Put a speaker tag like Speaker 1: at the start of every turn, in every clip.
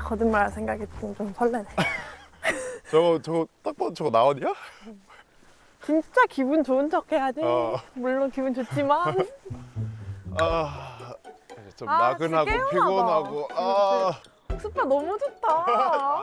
Speaker 1: 거짓말할 생각이 좀 설레네.
Speaker 2: 저거 딱 봐도 저거 나원이야?
Speaker 1: 진짜 기분 좋은 척 해야지.
Speaker 2: 어.
Speaker 1: 물론 기분 좋지만.
Speaker 2: 아, 좀
Speaker 1: 아,
Speaker 2: 나른하고
Speaker 1: 진짜
Speaker 2: 피곤하고. 아,
Speaker 1: 스파 너무 좋다.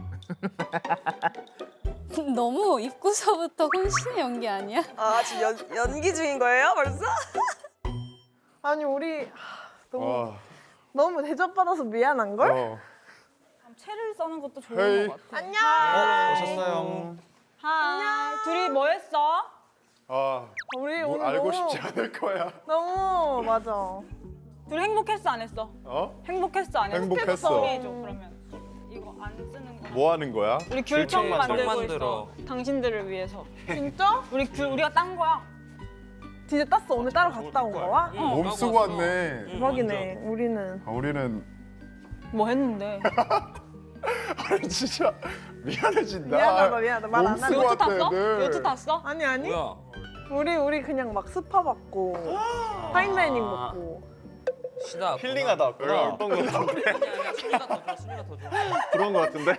Speaker 3: 너무 입구서부터 혼신의 연기 아니야?
Speaker 4: 아 지금 연기 중인 거예요 벌써?
Speaker 1: 아니 우리 너무
Speaker 2: 아,
Speaker 1: 너무 대접받아서 미안한 걸?
Speaker 2: 어.
Speaker 5: 채를 써는 것도 좋은
Speaker 2: 헤이.
Speaker 5: 것 같아.
Speaker 1: 안녕.
Speaker 6: 오셨어요.
Speaker 5: 하이. 둘이 뭐 했어?
Speaker 2: 아,
Speaker 1: 우리
Speaker 2: 뭐
Speaker 1: 오늘
Speaker 2: 알고
Speaker 1: 너무,
Speaker 2: 싶지 않을 거야.
Speaker 1: 너무 맞아.
Speaker 5: 둘이 행복했어 안 했어?
Speaker 2: 어?
Speaker 5: 행복했어 안 했어?
Speaker 2: 행복했어.
Speaker 5: 소개해줘 그러면. 이거 안 쓰는 거.
Speaker 2: 뭐 하는 거야?
Speaker 5: 우리 귤청
Speaker 6: 귤청
Speaker 5: 만들고
Speaker 6: 만들어.
Speaker 5: 있어. 당신들을 위해서.
Speaker 1: 진짜?
Speaker 5: 우리가 딴 거야.
Speaker 1: 진짜 땄어. 오늘 따로 갔다 온 거야?
Speaker 2: 몸 쓰고 왔네.
Speaker 1: 대박이네. 우리는
Speaker 2: 우리는
Speaker 5: 뭐 했는데?
Speaker 2: 아니 진짜 미안해진다.
Speaker 1: 미안하다 미안하다 말 안
Speaker 2: 몸
Speaker 1: 하고.
Speaker 2: 쓰고
Speaker 5: 요트 탔어?
Speaker 2: 왔대,
Speaker 5: 요트 탔어?
Speaker 1: 아니 아니.
Speaker 6: 뭐야?
Speaker 1: 우리 그냥 막 스파 받고 파인다이닝 먹고.
Speaker 6: 시다.
Speaker 7: 힐링하다
Speaker 2: 내가
Speaker 7: 왔구나.
Speaker 2: 어떤 거 같은데?
Speaker 6: 아니야, 수미가 더 줘. 수미가 더 줘.
Speaker 2: 그런 거 같은데?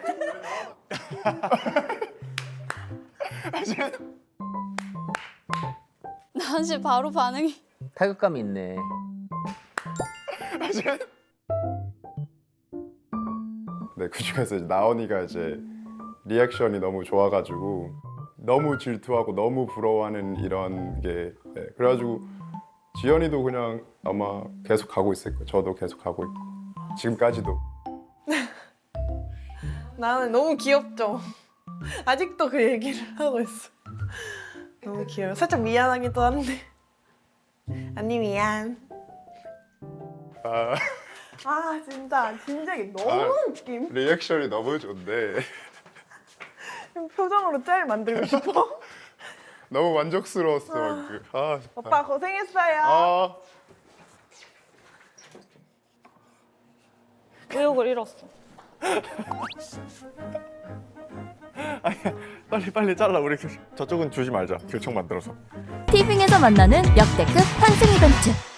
Speaker 3: 나한테 바로 반응이.
Speaker 8: 타격감이 있네.
Speaker 2: 네, 그 중에서 이제 나원이가 이제 리액션이 너무 좋아가지고 너무 질투하고 너무 부러워하는 이런 게 네, 그래가지고 지연이도 그냥 아마 계속 가고 있을 거예요. 저도 계속 가고 있고 지금까지도.
Speaker 1: 나는 너무 귀엽죠. 아직도 그 얘기를 하고 있어. 너무 귀여워. 살짝 미안하기도 한데. 언니 미안.
Speaker 2: 아,
Speaker 1: 진짜 진작에 너무
Speaker 2: 아.
Speaker 1: 웃김.
Speaker 2: 리액션이 너무 좋은데
Speaker 1: 표정으로 짤 만들고 싶어.
Speaker 2: 너무 만족스러웠어.
Speaker 1: 오빠 고생했어요.
Speaker 2: 아,
Speaker 5: 의욕을 잃었어.
Speaker 7: 빨리 잘라. 우리 저쪽은 주지 말자. 결청 만들어서.
Speaker 9: 티빙에서 만나는 역대급 환승 이벤트